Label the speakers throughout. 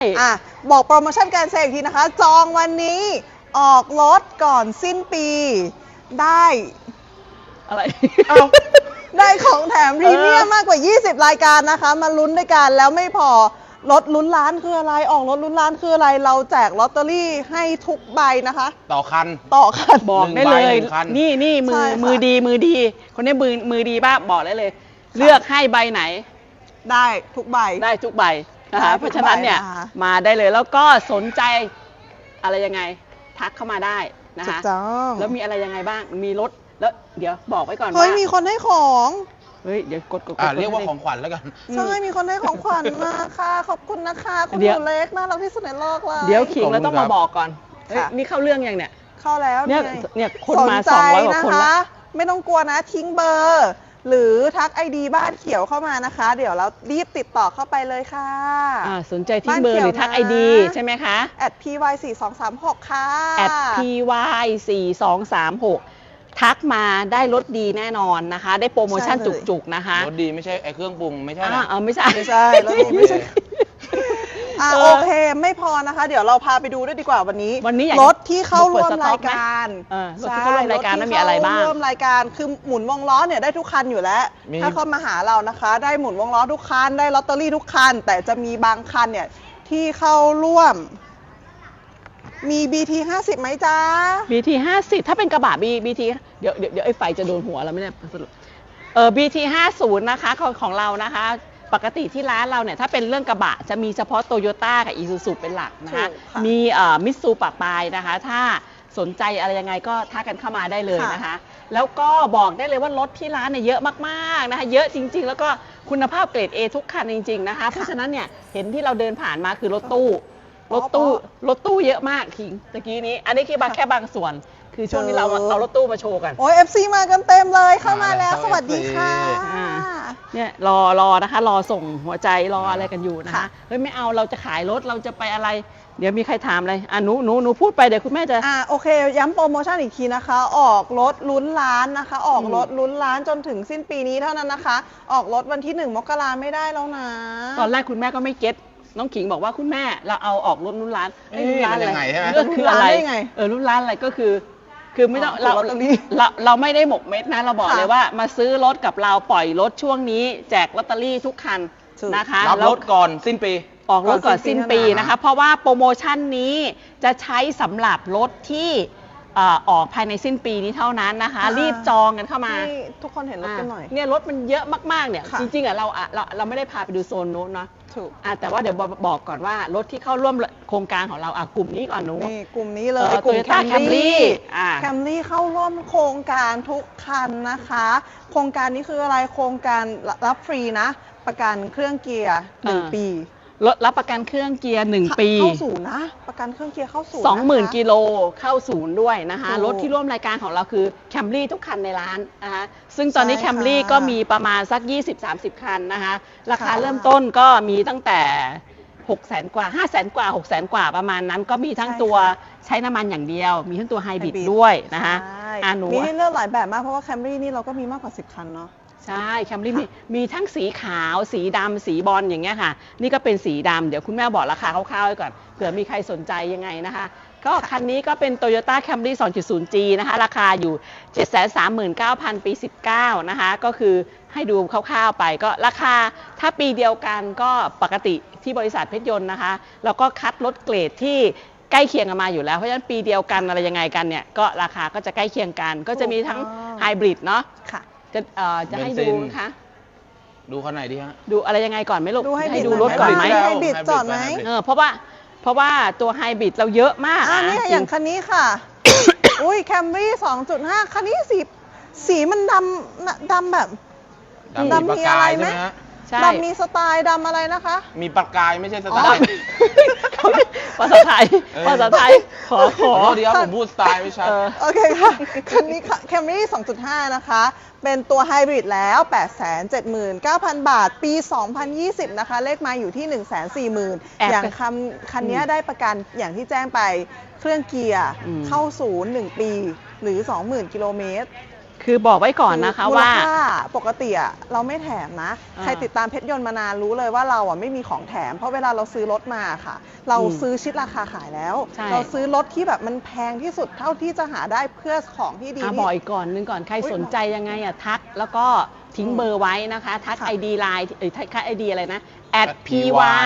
Speaker 1: อ่ะบอกโปรโมชั่นการเซลล์อีกทีนะคะ จองวันนี้ออกรถก่อนสิ้นปีได้
Speaker 2: อะไร
Speaker 1: ได้ของแถมพรีเมียมมากกว่า 20 รายการนะคะ มาลุ้นด้วยกันแล้วไม่พอรถลุ้นล้านคืออะไรออกรถลุ้นล้านคืออะไรเราแจกลอตเตอรี่ให้ทุกใบนะคะ
Speaker 3: ต่อคัน
Speaker 1: ต่อคัน
Speaker 2: บอกได้เลย
Speaker 3: หนึ่งคัน
Speaker 2: นี่มื
Speaker 1: ใช่
Speaker 2: อ
Speaker 1: ค่ะ
Speaker 2: มือดีมือดี คนนี้มือดีบ้าบอกได้เลย เลือกให้ใบไหน
Speaker 1: ได้ทุกใบ
Speaker 2: ได้ทุกใบนะคะ
Speaker 1: ได้ทุกใบ
Speaker 2: เพราะฉะนั้นเนี่ย
Speaker 1: นะคะ
Speaker 2: มาได้เลยแล้วก็สนใจอะไรยังไงทักเข้ามาได้นะ
Speaker 1: ถูก
Speaker 2: คะ
Speaker 1: ต้อง
Speaker 2: แล้วมีอะไรยังไงบ้างมีรถแล้วเดี๋ยวบอกไว้ก่อน
Speaker 1: เฮ้
Speaker 2: ว่าย
Speaker 1: มีคนให้ของ
Speaker 2: เฮ้ยเดี๋ยวกด
Speaker 3: เรียกว่าของขวัญแล้วกัน
Speaker 1: ใช่มีคนให้ของขวัญมาค่ะขอบคุณนะคะคุณห
Speaker 2: เดี๋ยว
Speaker 1: นูเล็กน่ารักที่สุดในโลกเลย
Speaker 2: เดี๋ยวขิง
Speaker 3: ขอบคุณ
Speaker 2: เราต้อง
Speaker 3: ครั
Speaker 2: มา
Speaker 3: บ
Speaker 2: บอกก่อนเฮ้ย
Speaker 1: ค่ะ
Speaker 2: นี่เข้าเรื่องยังเนี่ย
Speaker 1: เข้าแล้ว
Speaker 2: เนี่ยคนมา
Speaker 1: สนใจ
Speaker 2: 200 กว่าคน
Speaker 1: นะ
Speaker 2: ละ
Speaker 1: คะไม่ต้องกลัวนะทิ้งเบอร์ หรือทักไอดีบ้านเขียวเข้ามานะคะ เดี๋ยวเรารีบติดต่อเข้าไปเลยค่ะ
Speaker 2: สนใจทิ้งเบอร์หรือทักไอดีใช่ไหมคะ
Speaker 1: @py4236 ค่ะ
Speaker 2: @py4236 ทักมาได้ลดดีแน่นอนนะคะ ได้โปรโมชั่น
Speaker 1: ใช่เลย
Speaker 2: จุกๆนะคะ
Speaker 3: รถดีไม่ใช่ไอ้เครื่องปรุงไม่ใช่นะ
Speaker 2: ไม่ใช่
Speaker 1: ไม่ใช่รถดีไม่ใช่ โอเคไม่พอนะคะ เดี๋ยวเราพาไปดูด้วยดีกว่าวันนี้
Speaker 2: วันนี้อยาก
Speaker 1: รถที่เข้าร่วม
Speaker 2: เปิดสต็
Speaker 1: รา
Speaker 2: อย กไหม
Speaker 1: การ
Speaker 2: รถที่เข้าร่วมรายการนั้นมีอะไรบ้าง
Speaker 1: ถที่เข้ร่วมรายการคือหมุนวงล้อเนี่ยได้ทุกคันอยู่แล้ว
Speaker 3: มี
Speaker 1: ถ้าเข้ามาหาเรานะคะ ได้หมุนวงล้อทุกคันได้ลอตเตอรี่ทุกคัน แต่จะมีบางคันเนี่ยที่เข้าร่วม มี BT 50ไหมจ๊ะ
Speaker 2: BT 50ถ้าเป็นกระบะ BT เดี๋ยวไอ้ไฟจะโดนหัวเราไม่ได้สรุปBT 50นะคะของเรานะคะ ปกติที่ร้านเราเนี่ยถ้าเป็นเรื่องกระบะจะมีเฉพาะโตโยต้ากับอีซูซูเป็นหลักนะคะ
Speaker 1: ถูกค่ะ
Speaker 2: มีมิตซูปะปายนะคะ ถ้าสนใจอะไรยังไงก็ทักกันเข้ามาได้เลยนะคะ แล้วก็บอกได้เลยว่ารถที่ร้านเนี่ยเยอะมากๆนะคะเยอะจริง ๆ แล้วก็คุณภาพเกรด A ทุกคันจริง ๆนะคะ เพราะฉะนั้นเนี่ยเห็นที่เราเดินผ่านมาคือรถตู้เยอะมากคิงตะกี้นี้ อันนี้แค่บางส่วน คือช่วงนี้เราเอารถตู้มาโชว์กัน
Speaker 1: โอ้ย FC มากันเต็มเลยเข้ามาแล้วสวัสดีค่ะ
Speaker 2: อ่า เนี่ยรอนะคะรอส่งหัวใจรออะไรกันอยู่นะคะ
Speaker 1: ค่ะ
Speaker 2: เฮ้ยไม่เอาเราจะขายรถเราจะไปอะไร เดี๋ยวมีใครถามอะไรหนูพูดไปเดี๋ยวคุณแม่จะ
Speaker 1: โอเค ย้ำโปรโมชั่นอีกทีนะคะ ออกรถลุ้นล้านนะคะ ออกรถลุ้นล้านจนถึงสิ้นปีนี้เท่านั้นนะคะ ออกรถวันที่ 1 มกราไม่ได้แล้วนะ
Speaker 2: ตอนแรกคุณแม่ก็ไม่เก็ตน้องขิงบอกว่าคุณแม่เราเอาออกรถรุ่นร้าน
Speaker 3: เอ๊ะ
Speaker 2: รุ่นร้านอะไร
Speaker 3: มันยังไงใช่ไหม
Speaker 2: ก็คืออะไร
Speaker 1: รุ่นร้านได้ไง
Speaker 2: รุ่นร้านอะไรก็คือไม่ต้อง
Speaker 1: ถูกลอตเตอรี่
Speaker 2: เราไม่ได้หมกเม็ดนะเราบอก
Speaker 1: ค่ะ
Speaker 2: เลยว่ามาซื้อรถกับเราปล่อยรถช่วงนี้แจกลอตเตอรี่ทุกคัน
Speaker 1: ถูก
Speaker 2: นะคะ
Speaker 3: รับ
Speaker 2: แล้ว
Speaker 3: รถก่อนสิ้นปี
Speaker 2: ออกรถก่อนสิ้นปี
Speaker 1: ก่อนสิ้นปี
Speaker 2: นะคะ เพราะว่าโปรโมชั่นนี้จะใช้สำหรับรถที่ออกภายในสิ้นปีนี้เท่านั้นนะคะ รีบจองกันเข้ามา
Speaker 1: ให้ทุกคนเห็นรถกันหน่อย
Speaker 2: เนี่ยรถมันเยอะมากๆเนี่ย
Speaker 1: ค่ะ
Speaker 2: จริงๆเราไม่ได้พาไปดูโซนนู้นเนาะ
Speaker 1: ถูก
Speaker 2: แต่ว่าเดี๋ยวบอกก่อนว่ารถที่เข้าร่วมโครงการของเรากลุ่มนี้ก่อนหนู
Speaker 1: นี่กลุ่มนี้เลยกลุ่ม
Speaker 2: Toyota Camry
Speaker 1: แคมรี่เข้าร่วมโครงการทุกคันนะคะ โครงการนี้คืออะไรโครงการรับฟรีนะ ประกันเครื่องเกียร์ 1 ปี
Speaker 2: รถรับประกันเครื่องเกียร์1 ปี
Speaker 1: เข้าศูนย์นะ ประกันเครื่องเกียร์เข้าศูนย์นะคะ
Speaker 2: 20,000 กิโลเข้าศูนย์ด้วยนะคะ
Speaker 1: ถูก
Speaker 2: รถที่ร่วมรายการของเราคือ Camry ทุกคันในร้านนะคะซึ่งตอนนี้
Speaker 1: ใช่ค่ะ
Speaker 2: Camry ก็มีประมาณสัก 20-30 คันนะคะ ราคา
Speaker 1: ค่ะ
Speaker 2: เริ่มต้นก็มีตั้งแต่ 600,000 กว่า 500,000 กว่า 600,000 กว่าประมาณนั้นก็มีทั้ง
Speaker 1: ใช่
Speaker 2: ตัว
Speaker 1: ค่ะ
Speaker 2: ใช้น้ำมันอย่างเดียว มีทั้งตัวไฮบริด
Speaker 1: Hybrid
Speaker 2: ด้วยนะคะ
Speaker 1: ใช่
Speaker 2: หนู
Speaker 1: มีให้เลือกหลายแบบมากเพราะว่าแคมรี่นี่เราก็มีมากกว่า 10 คันเนาะ
Speaker 2: ใช่แคมรี่มีทั้งสีขาวสีดำสีบอลอย่างเงี้ยค่ะ นี่ก็เป็นสีดำเดี๋ยวคุณแม่บอกราคาคร่าวๆไว้ก่อนเผื่อมีใครสนใจยังไงนะคะ ก็คันนี้ก็เป็น Toyota Camry 2.0G นะคะราคาอยู่ 739,000 ปี 19 นะคะ ก็คือให้ดูคร่าวๆไปก็ราคาถ้าปีเดียวกันก็ปกติที่บริษัทเพชรยนต์นะคะแล้วก็คัดรถเกรดที่ใกล้เคียงกันมาอยู่แล้วเพราะฉะนั้นปีเดียวกันอะไรยังไงกันเนี่ยก็ราคาก็จะใกล้เคียงกัน ก็จะมีทั้ง
Speaker 1: ถูกต้อง
Speaker 2: ไฮบริดเนาะ
Speaker 1: ค่ะ
Speaker 2: จะให้
Speaker 3: เบนซิ
Speaker 2: ดู
Speaker 3: น
Speaker 2: นะคะ
Speaker 3: ดูคันไหนดีฮะ
Speaker 2: ดูอะไรยังไงก่อนไหมลูก
Speaker 1: ดูให้
Speaker 2: ดูรถก่อนไหม
Speaker 1: ไฮบริดจอดไหม
Speaker 2: เพราะว่าตัวไฮบริดเราเยอะมาก
Speaker 1: นี่
Speaker 2: จริ
Speaker 1: อย่างคันนี้ค่ะ อุ้ยแคมรี่ 2.5 คันนี้สีมันดำแบบ
Speaker 3: ดำมีประกาย
Speaker 1: ดำมีอะไรไหม
Speaker 3: ใช่ไหมฮะ
Speaker 2: ใช่
Speaker 1: ดำมีสไตล์ดำอะไรนะคะ
Speaker 3: มีประกายไม่ใช่สไต
Speaker 2: อ๋อ
Speaker 3: ล์
Speaker 2: ภาษาไทย ขอ
Speaker 3: ขอโทษดีครับผมพูดสไตล์ไม่ชัด
Speaker 1: โอเคค่ะ คันนี้แคมรี่ 2.5 นะคะ เป็นตัวไฮบริดแล้ว 879,000 บาท ปี 2020 นะคะ เลขมาอยู่ที่ 140,000 อย่างคันนี้ได้ประกันอย่างที่แจ้งไปเครื่องเกียร์เข้าศูนย์1 ปีหรือ 20,000 กิโลเมตร
Speaker 2: คือบอกไว้ก่อนนะคะว่า
Speaker 1: มูลค่ปกติอะเราไม่แถมนะ
Speaker 2: อ่า
Speaker 1: ใครติดตามเพชรยนต์มานานรู้เลยว่าเราอะไม่มีของแถม เพราะเวลาเราซื้อรถมาค่ะ เราซื้อชิดราคาขายแล้ว
Speaker 2: ใช่
Speaker 1: เราซื้อรถที่แบบมันแพงที่สุดเท่าที่จะหาได้เพื่อของที่ดี
Speaker 2: บอกอีกก่อนนึงก่อนใครสนใจยังไงอ่ะทักแล้วก็ทิ้งเบอร์ไว้นะคะทัก
Speaker 1: ค่ะ
Speaker 2: ID ไลน์ทัก ID อะไรนะ
Speaker 3: @py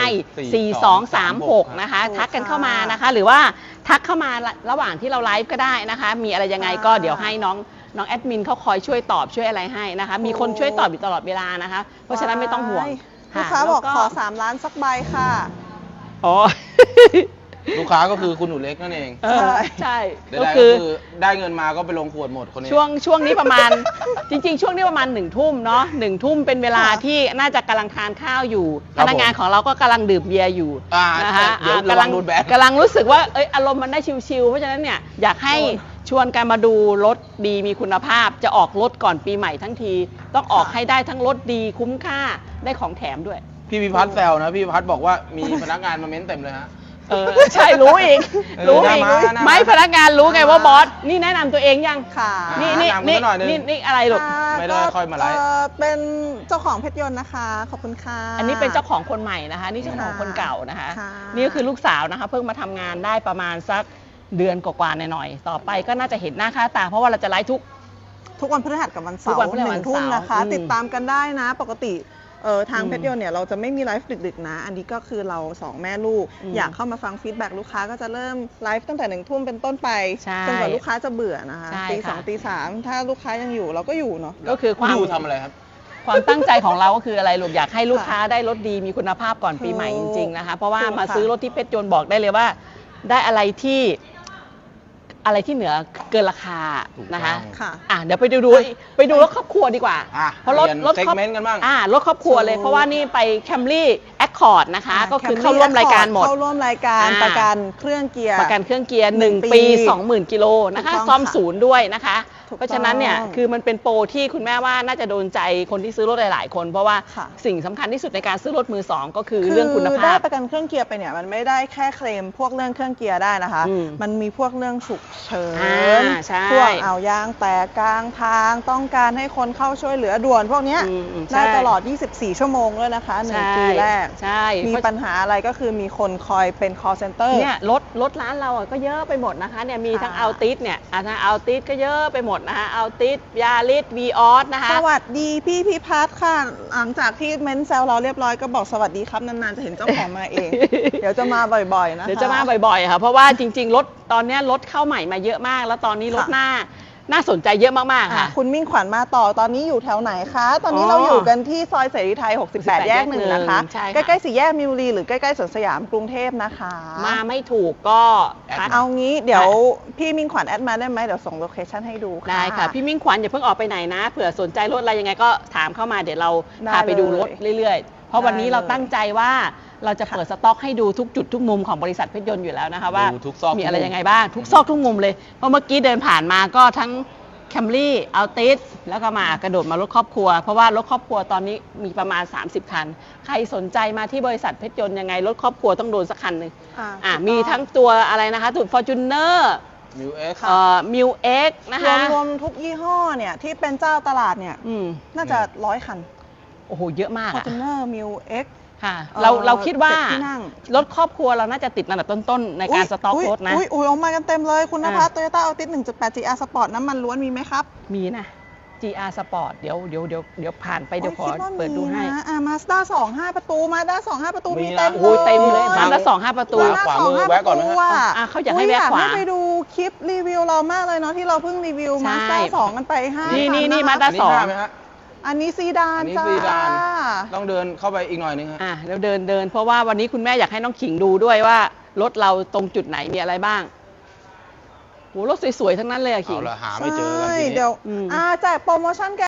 Speaker 2: @py4236 นะคะทักกันเข้ามานะคะ หรือว่าทักเข้ามาระหว่างที่เราไลฟ์ก็ได้นะคะ มีอะไรยังไงก็เดี๋ยวให้น้องแอดมินเขาคอยช่วยตอบช่วยอะไรให้นะคะ มีคนช่วยตอบอยู่ตลอดเวลานะคะ เพราะฉะนั้นไม่ต้องห่วง
Speaker 1: ลูกค้า
Speaker 2: ะ
Speaker 1: บอก
Speaker 2: แล้ว
Speaker 1: ขอ3 ล้านสักใบค่ะ
Speaker 2: อ๋อ
Speaker 3: ลูกค้าก็คือคุณหนูเล็กนั่นเอง
Speaker 2: เออใช่
Speaker 3: ได้
Speaker 2: ก็
Speaker 3: ก็
Speaker 2: คือ
Speaker 3: คือได้เงินมาก็ไปลงขวดหมดคนนี้
Speaker 2: ช่วงนี้ประมาณ จริง ๆ ช่วงนี้ประมาณ1 ทุ่มเนาะ1 ทุ่มเป็นเวลา
Speaker 1: ค่ะ
Speaker 2: ที่น่าจะกำลังทานข้าวอยู่
Speaker 3: ครั
Speaker 2: พ
Speaker 3: บ
Speaker 2: นักงานของเราก็กำลังดื่มเบียร์อยู่ นะคะ
Speaker 3: เดี๋ยวระวังโดนแบน
Speaker 2: กำลังรู้สึกว่าอารมณ์มันได้ชิลๆเพราะฉะนั้นเนี่ยอยากให้ชวนกันมาดูรถดีมีคุณภาพจะออกรถก่อนปีใหม่ทั้งที ต้องออกให้ได้ทั้งรถดีคุ้มค่าได้ของแถมด้วย
Speaker 3: พี่พิพัฒน์แซวนะพี่พิพัฒน์บอกว่ามีพนักงานมาเม้นเต็มเลยฮะ
Speaker 2: ใช่รู้อีก รู้อีก
Speaker 3: น่ามา
Speaker 2: ไม่พนักงานรู้ไงว่าบอสนี่แนะนำตัวเองยัง
Speaker 1: ค่ะ
Speaker 2: นี่
Speaker 3: แนะนำกันหน่อยนึง
Speaker 2: นี่อะไรลูก
Speaker 3: ไม่ได้ค่อยมาไลฟ์
Speaker 1: เป็นเจ้าของเพชรยนต์นะคะ ขอบคุณค่ะ
Speaker 2: อันนี้เป็นเจ้าของคนใหม่นะคะ นี่เจ้าของคนเก่านะคะ
Speaker 1: ค่ะ
Speaker 2: นี่ก็คือลูกสาวนะคะ เพิ่งมาทำงานได้ประมาณสักเดือนกว่าๆหน่อยๆต่อไปก็น่าจะเห็นหน้าค่าตาเพราะว่าเราจะไลฟ์ทุก
Speaker 1: วันพฤหัสกับวันเสา
Speaker 2: ทุ
Speaker 1: ร์
Speaker 2: กวันพฤหัส
Speaker 1: 1 ทุ่มนะคะ
Speaker 2: วันเสาร์
Speaker 1: ติดตามกันได้นะ ปกติทาง
Speaker 2: อืม
Speaker 1: เพชรยนต์เนี่ยเราจะไม่มีไลฟ์ดึกๆนะ อันนี้ก็คือเรา2 แม่ลูก
Speaker 2: อืม
Speaker 1: อยากเข้ามาฟังฟีดแบ็กลูกค้าก็จะเริ่มไลฟ์ตั้งแต่1 ทุ่มเป็นต้นไป
Speaker 2: ใช่
Speaker 1: จนกว่าลูกค้าจะเบื่อนะคะ
Speaker 2: ใช่
Speaker 1: ตี
Speaker 2: ค่ะ
Speaker 1: 2 ตี 3ถ้าลูกค้ายังอยู่เราก็อยู่เนาะ
Speaker 2: ก็คือความ
Speaker 3: อยู่ทำอะไรครับ
Speaker 2: ความตั้งใจของเราก็คืออะไรลูกอยากให้ลูกค้าได้รถดีมีคุณภาพก่อนปีใหม่จริงๆนะคะ เพราะว่า
Speaker 1: ถูกค่ะ
Speaker 2: มาซื้อรถที่เพชรยนต์บอกได้เลยว่า ได้อะไรที่เหนือเกินราคา
Speaker 3: ถูกต้อง
Speaker 2: นะคะ
Speaker 1: ค่ะ
Speaker 2: เดี๋ยวไปดูรถครอบครัวดีกว่า
Speaker 3: อ่ะ
Speaker 2: เพราะรถ
Speaker 3: เปลี่ยน
Speaker 2: รถครอบ
Speaker 3: segment กันบ้าง
Speaker 2: รถครอบครัวเลย
Speaker 1: ถูก
Speaker 2: เพราะว่านี่ไป Camry Accord นะคะ ก็คือ
Speaker 1: Camry
Speaker 2: เข้าร่วมรายการหมด
Speaker 1: เข้าร่วมรายการ
Speaker 2: อ่า
Speaker 1: ประกันเครื่องเกียร์
Speaker 2: ประกันเครื่องเกียร์
Speaker 1: หนึ่ง
Speaker 2: 1
Speaker 1: ปี
Speaker 2: ปี 20,000 กิโลนะคะ
Speaker 1: ถูกต้อง
Speaker 2: ซ่อม
Speaker 1: ค่ะ
Speaker 2: ศูนย์ด้วยนะคะ
Speaker 1: ถูกต้อง
Speaker 2: เพราะฉะนั้นเนี่ยคือมันเป็นโปรที่คุณแม่ว่าน่าจะโดนใจคนที่ซื้อรถหลายๆ คน เพราะว่า
Speaker 1: ค่ะ
Speaker 2: สิ่งสำคัญที่สุดในการซื้อรถมือสองก็คือเรื่องคุณ
Speaker 1: ได้
Speaker 2: ภาพ
Speaker 1: ประกันเครื่องเกียร์ไปเนี่ยมันไม่ได้แค่เคลมพวกเรื่องเครื่องเกียร์ได้นะคะ
Speaker 2: อืม
Speaker 1: มันมีพวกเรื่องฉุกเฉิน
Speaker 2: ใช่
Speaker 1: พวกเอายางแตกกลางทางต้องการให้คนเข้าช่วยเหลือด่วนพวกเนี้ย
Speaker 2: ใช่
Speaker 1: ได้ตลอด 24 ชั่วโมงเลยนะคะหนึ่ง
Speaker 2: ใช่
Speaker 1: ปีแรก
Speaker 2: ใช่
Speaker 1: มี
Speaker 2: เพราะ
Speaker 1: ปัญหาอะไรก็คือมีคนคอยเป็น call center
Speaker 2: เนี่ยรถร้านเราก็เยอะไปหมดนะคะเนี่ยมีทั้ง
Speaker 1: ค่ะ
Speaker 2: อัลติสเนี่ยทั้งอัลติสก็เยอะไปหมดนะคะอัลติสยาริสวีออสนะคะ
Speaker 1: สวัสดีพี่พิพัฒน์ค่ะ หลังจากที่เม้นแซวเราเรียบร้อยก็บอกสวัสดีครับนานๆจะเห็นเจ้าของมาเอง เดี๋ยวจะมาบ่อยๆนะคะ
Speaker 2: เดี๋ยวจะมาบ่อยๆค่ะเพราะว่าจริงๆรถตอนเนี้ยรถเข้าใหม่มาเยอะมาก แล้วตอนนี้รถ
Speaker 1: ค่ะ
Speaker 2: น่าสนใจเยอะมากๆค่ะ
Speaker 1: คุณมิ่งขวัญมาต่อตอนนี้อยู่แถวไหนคะ ตอนนี้
Speaker 2: อ๋อ
Speaker 1: เราอยู่กันที่ซอยเสรีไทย 68 แยกหนึ่งนะคะ
Speaker 2: ใช่ค่ะ
Speaker 1: ใกล้ๆสี่แยกมิวรีหรือใกล้ๆสวนสยามกรุงเทพนะคะ
Speaker 2: มาไม่ถูกก็ทัก
Speaker 1: เอางี้เดี๋ยวพี่มิ่งขวัญแอดมาได้ไหมเดี๋ยวส่งโลเคชั่นให้ดูค่ะ
Speaker 2: ได้ค่ะ พี่มิ่งขวัญอย่าเพิ่งออกไปไหนนะเผื่อสนใจรถอะไรยังไงก็ถามเข้ามาเดี๋ยวเรา
Speaker 1: ได้
Speaker 2: พาไปดูรถ
Speaker 1: เลย
Speaker 2: เรื่อยๆ เพราะวันนี้
Speaker 1: ได้
Speaker 2: เรา
Speaker 1: เลย
Speaker 2: ตั้งใจว่าเราจะเปิดสต็อกให้ดูทุกจุดทุกมุมของบริษัทเพชรยนต์อยู่แล้วนะคะว่า
Speaker 3: ดูทุกซอก
Speaker 2: มีอะไร
Speaker 3: ทุกมุม
Speaker 2: ยังไงบ้างทุกซอกทุกมุมเลยเพราะเมื่อกี้เดินผ่านมาก็ทั้ง Camry Altis แล้วก็มากระโดดมารถครอบครัว เพราะว่ารถครอบครัวตอนนี้มีประมาณ 30 คัน ใครสนใจมาที่บริษัทเพชรยนต์ยังไงรถครอบครัวต้องโดนสักคันหนึ่ง มีทั้งตัวอะไรนะคะตัว Fortuner
Speaker 3: มิวเอ็กซ์
Speaker 2: Miu X นะคะ
Speaker 1: รวมๆทุกยี่ห้อเนี่ยที่เป็นเจ้าตลาดเนี่ย
Speaker 2: อืม
Speaker 1: น่าจะ100 คัน
Speaker 2: โอ้โหเยอะมากอะ
Speaker 1: Fortuner Miu X
Speaker 2: ค่ะ เราคิดว่า
Speaker 1: 7 ที่นั่ง
Speaker 2: รถครอบครัวเราน่าจะติดอันดับต้นๆในการสต็อกรถนะ
Speaker 1: อุ้ยออกมากันเต็มเลยคุณนภัส
Speaker 2: อ่ะ
Speaker 1: โตโยต้าอัลติส 1.8 GR Sport น้ำมันล้วนมีไหมครับ
Speaker 2: มีนะ GR Sport เดี๋ยวผ่านไปเดี๋ยวขอ
Speaker 1: คิว่า
Speaker 2: เปิดดูให้
Speaker 1: มีนะมาสด้า2 5 ประตูมาด้า2 5 ประตู
Speaker 3: มี
Speaker 1: มี
Speaker 3: นะ
Speaker 1: เต็ม
Speaker 2: โอ้ยเต็มเลย
Speaker 1: ย
Speaker 2: มาละ2-5 ประตู
Speaker 3: ขวามือแวะก่อนไหมฮะ
Speaker 2: เขาอยากให้แวะขวา
Speaker 1: ให้ไปดูคลิปรีวิวเรามากเลยเนาะที่เราเพิ่งรีวิว
Speaker 2: ใช่
Speaker 1: มาสด้า2กันไป5
Speaker 2: นี่
Speaker 1: คัะคะ
Speaker 2: มาด้า
Speaker 3: อันนี้ห้าไหมฮะ
Speaker 1: อันนี้ซีดาน
Speaker 3: อันนี้
Speaker 1: จ้า
Speaker 3: ซีดานต้องเดินเข้าไปอีกหน่อยนึงฮะ
Speaker 2: แล้วเดินเพราะว่าวันนี้คุณแม่อยากให้น้องขิงดูด้วยว่ารถเราตรงจุดไหนมีอะไรบ้างโหรถสวยๆทั้งนั้นเลยอะขิง
Speaker 3: เอาละหาไม่เจอกัน
Speaker 1: ใช่
Speaker 3: ทีนี้
Speaker 1: เดี๋ยว
Speaker 2: อืม
Speaker 1: แจกโปรโมชั่นแก